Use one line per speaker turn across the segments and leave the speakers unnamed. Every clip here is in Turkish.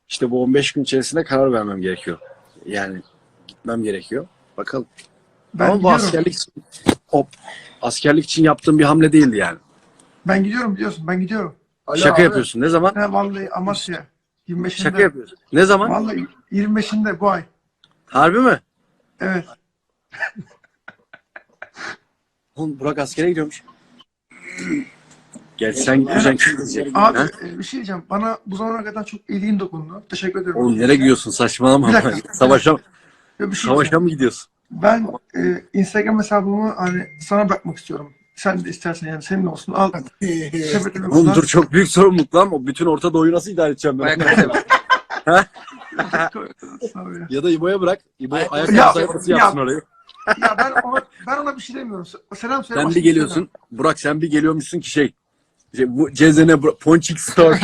İşte bu 15 gün içerisinde karar vermem gerekiyor. Yani gitmem gerekiyor. Bakalım.
Ben
Ama bu
gidiyorum.
askerlik için yaptığım bir hamle değildi yani.
Ben gidiyorum biliyorsun. Ben gidiyorum.
Şaka yapıyorsun. Ne zaman?
He vallahi Amasya. 25'inde.
Şaka yapıyorsun. Ne zaman?
Vallahi 25'inde bu ay.
Harbi mi?
Evet.
Oğlum Burak askere gidiyormuş. Gerçi sen gitmeyeceksin, kim gidecek?
Abi
Ha?
bir şey diyeceğim. Bana bu zamana kadar çok iyiliğin dokundu. Teşekkür ederim.
Oğlum nereye gidiyorsun? Saçmalama.
Bir dakika.
Savaşa,
Ya bir şey
savaşa
diyeceğim.
mı gidiyorsun?
Ben Instagram hesabımı hani sana bırakmak istiyorum. Sen de istersen yani senin olsun. Al. Sepetimi
Oğlum
kullan.
dur, çok büyük sorumluluk lan. O bütün Orta Doğu'yu nasıl idare edeceğim ben?
Tabii.
Ya da İbo'ya bırak. İbo
Ayak-
ayakkabı
Ya-
sayfası
ya-
yapsın orayı.
Ya ben ona bir şey demiyorum. Selam söyle.
Sen
başka
bir
şey
geliyorsun. Burak sen bir geliyormuşsun ki bu Cezene Ponçik Store.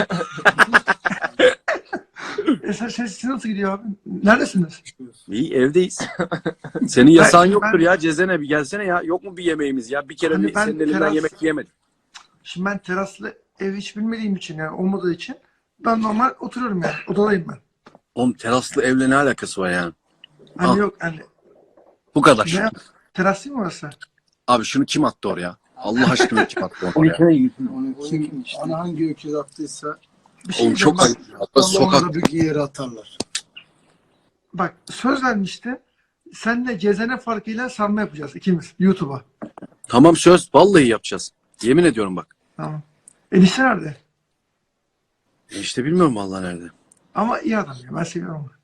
Siz nasıl gidiyor abi? Neredesiniz?
İyi, evdeyiz. Senin yasağın
Ben-
yoktur ya Cezene, bir gelsene ya. Yok mu bir yemeğimiz ya? Bir kere
Hani ben
senin elinden
teras-
yemek yemedim.
Şimdi ben teraslı ev hiç bilmediğim için yani olmadığı için ben normal oturuyorum yani. Odadayım ben.
Oğlum teraslı evle ne alakası var yani?
Hani
Ah.
yok hani
Bu kadar.
ne teras değil mi orası?
Abi şunu kim attı oraya? Allah aşkına kim attı oraya?
Onu kim, ana hangi öküz attıysa
Bir şey
Oğlum
diyeceğim
çok
bak,
ayıp. Sokak.
onu da bir yere atarlar.
bak söz vermişti. Senle Cezene farkıyla sarma yapacağız ikimiz YouTube'a.
Tamam, söz. Vallahi yapacağız. Yemin ediyorum bak.
Tamam. Enişte nerede?
İşte bilmiyorum vallahi nerede.
Ama iyi adam ya. Ben seviyorum onu.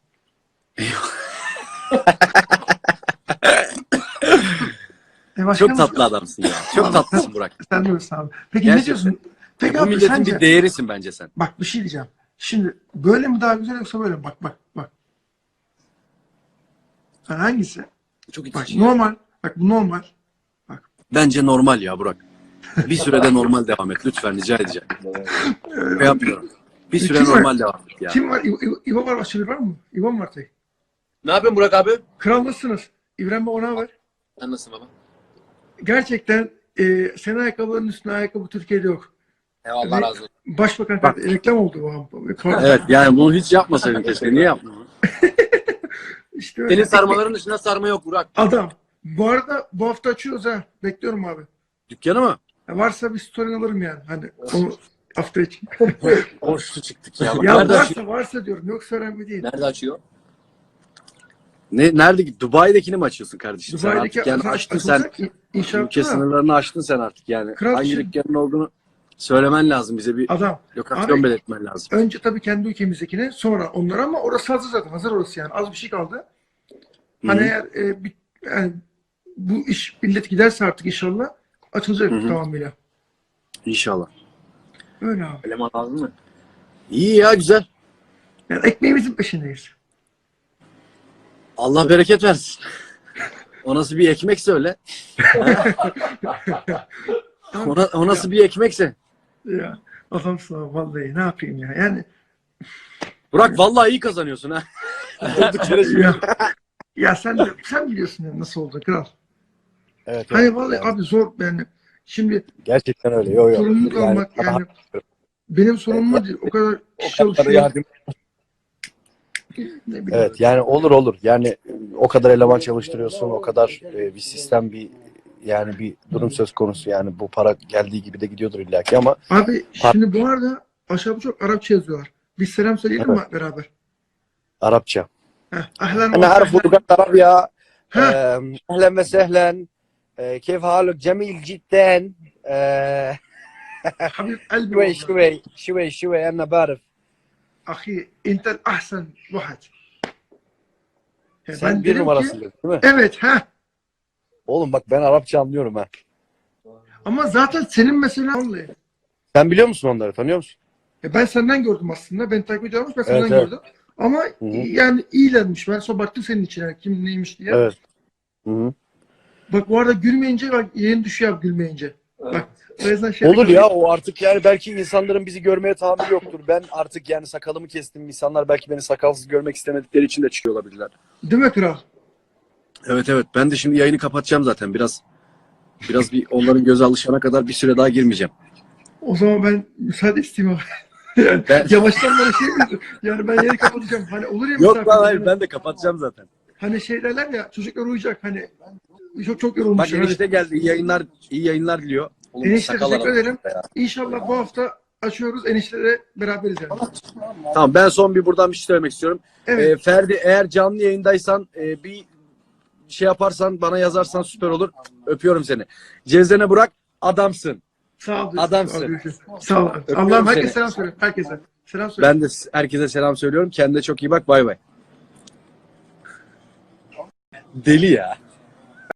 Çok tatlı adamsın ya. Çok tatlısın Burak.
Sen diyorsun abi. Peki
Gerçekten.
ne diyorsun? Peki
Bu
abi
milletin
sence...
bir değerisin bence sen.
Bak bir şey diyeceğim. Şimdi böyle mi daha güzel yoksa böyle mi? Bak. Yani hangisi?
Çok
Bak
itici.
normal. Bak bu normal.
Bence normal ya Burak. Bir sürede normal devam et lütfen, rica edeceğim. Ne yapıyorum? Bir süre
Kim var?
normal devam et ya.
Kim var? İbo var. Başka biri var mı? İbo mu var tek?
Ne yapıyorsun Burak abi?
Kral nasılsınız? İbrahim Baba ne haber?
Sen nasılsın baba?
Gerçekten senin ayakkabıların üstüne ayakkabı Türkiye'de yok.
Allah razı olsun.
Başbakan reklam oldu bu. Pardon.
Evet, yani bunu hiç yapmasaydın keşke. Niye yapmadın?
İşte öyle.
Senin sarmaların dışında sarma yok Burak.
Adam. Bu arada bu hafta açıyoruz ha. Bekliyorum abi.
Dükkanı mı?
Ya varsa bir story alırım yani. Hani onu hafta için.
Borçlu çıktık ya. Bak,
Ya
nerede açıyor?
varsa diyorum. Yoksa önemli değil.
Nerede açıyor?
Nerede? Dubai'dekini mi açıyorsun kardeşim? Sen
Dubai'deki
artık yani açtın sen.
inşaatı
Ülke sınırlarını aştın sen artık yani.
Kral
Hangi
için-
dükkanın olduğunu söylemen lazım. Bize bir
adam.
lokasyon
Abi-
belirtmen lazım.
Önce tabii kendi ülkemizdekine sonra onlara ama orası hazır zaten. Hazır orası yani. Az bir şey kaldı. Hani
Hı hı.
eğer yani bu iş millet giderse artık inşallah açılacak
Hı hı.
tamamıyla.
İnşallah.
Öyle abi.
Eleman lazım mı?
İyi ya, güzel.
Yani ekmeğimizin peşindeyiz.
Allah bereket versin. O nasıl bir ekmekse öyle. O nasıl bir ekmekse.
Ya adamsın abi vallahi ne yapayım ya. Yani
Burak vallahi iyi kazanıyorsun ha. Durduk yere şimdi.
ya sen biliyorsun yani nasıl oldu kral.
Evet,
Hani vallahi abi zor yani. Şimdi
gerçekten öyle. Yo,
sorumluluk almak yani benim sorumluluğum değil. O kadar kişi çalışıyor. Ne bileyim.
Evet, yani olur. Yani o kadar eleman çalıştırıyorsun, o kadar bir sistem, yani bir durum söz konusu. Yani bu para geldiği gibi de gidiyordur illaki ama
Abi şimdi bu arada aşağıda çok Arapça yazıyorlar. Biz selam söyleyelim mi beraber?
Arapça.
Ahlen
أنا أعرف
ve
لغة عربية.
ها
أهلا وسهلا. كيف حالك؟ جميل جدا.
Habib elbi
شوي أنا بعرف.
Ahi entel ahsen vahed.
Sen bir numarasın değil mi?
Evet ha.
Oğlum bak, ben Arapça anlıyorum ha.
Ama zaten senin mesela vallahi.
Sen biliyor musun onları? Tanıyor musun?
Ben senden gördüm aslında. Ben takip ediyorum ben senden
Evet, evet.
gördüm. Ama
Hı hı.
yani iyilermiş. Ben sonra baktım senin içine kim neymiş diye.
Evet. Hı-hı.
Bak bu arada gülmeyince bak yayın düşüyor abi gülmeyince. Bak. O yüzden şey
Olur ya, o artık yani belki insanların bizi görmeye tahammülü yoktur. Ben artık yani sakalımı kestim. İnsanlar belki beni sakalsız görmek istemedikleri için de çıkıyor olabilirler.
Değil mi kral?
Evet. Ben de şimdi yayını kapatacağım zaten. Biraz bir onların göze alışana kadar bir süre daha girmeyeceğim.
O zaman ben müsaade isteyeyim abi. Yani
Ben-
yavaştan bana şey mi? Yani ben yeri kapatacağım. Hani olur ya
Yok lan
misafir,
hayır
hani-
ben de kapatacağım zaten.
Hani şey derler ya çocuklar uyuyacak hani çok
Bak
yorulmuş.
enişte geldi. İyi yayınlar diliyor.
Oğlum bu
Enişte
sakal
teşekkür
adam.
ederim. İnşallah bu hafta açıyoruz. Enişteyle beraberiz yani.
Tamam ben son bir buradan bir şey söylemek istiyorum.
Evet.
Ferdi eğer canlı yayındaysan bir şey yaparsan bana yazarsan süper olur. Öpüyorum seni. Cezene Burak adamsın.
Sağ ol.
Adamsın.
Sağ ol, görüşürüz. Sağ ol.
Öpüyorum
Allah'ım herkese
seni.
selam söyle. Herkese. Selam söyle.
Ben de herkese selam söylüyorum. Kendine çok iyi bak. Bay bay. Deli ya.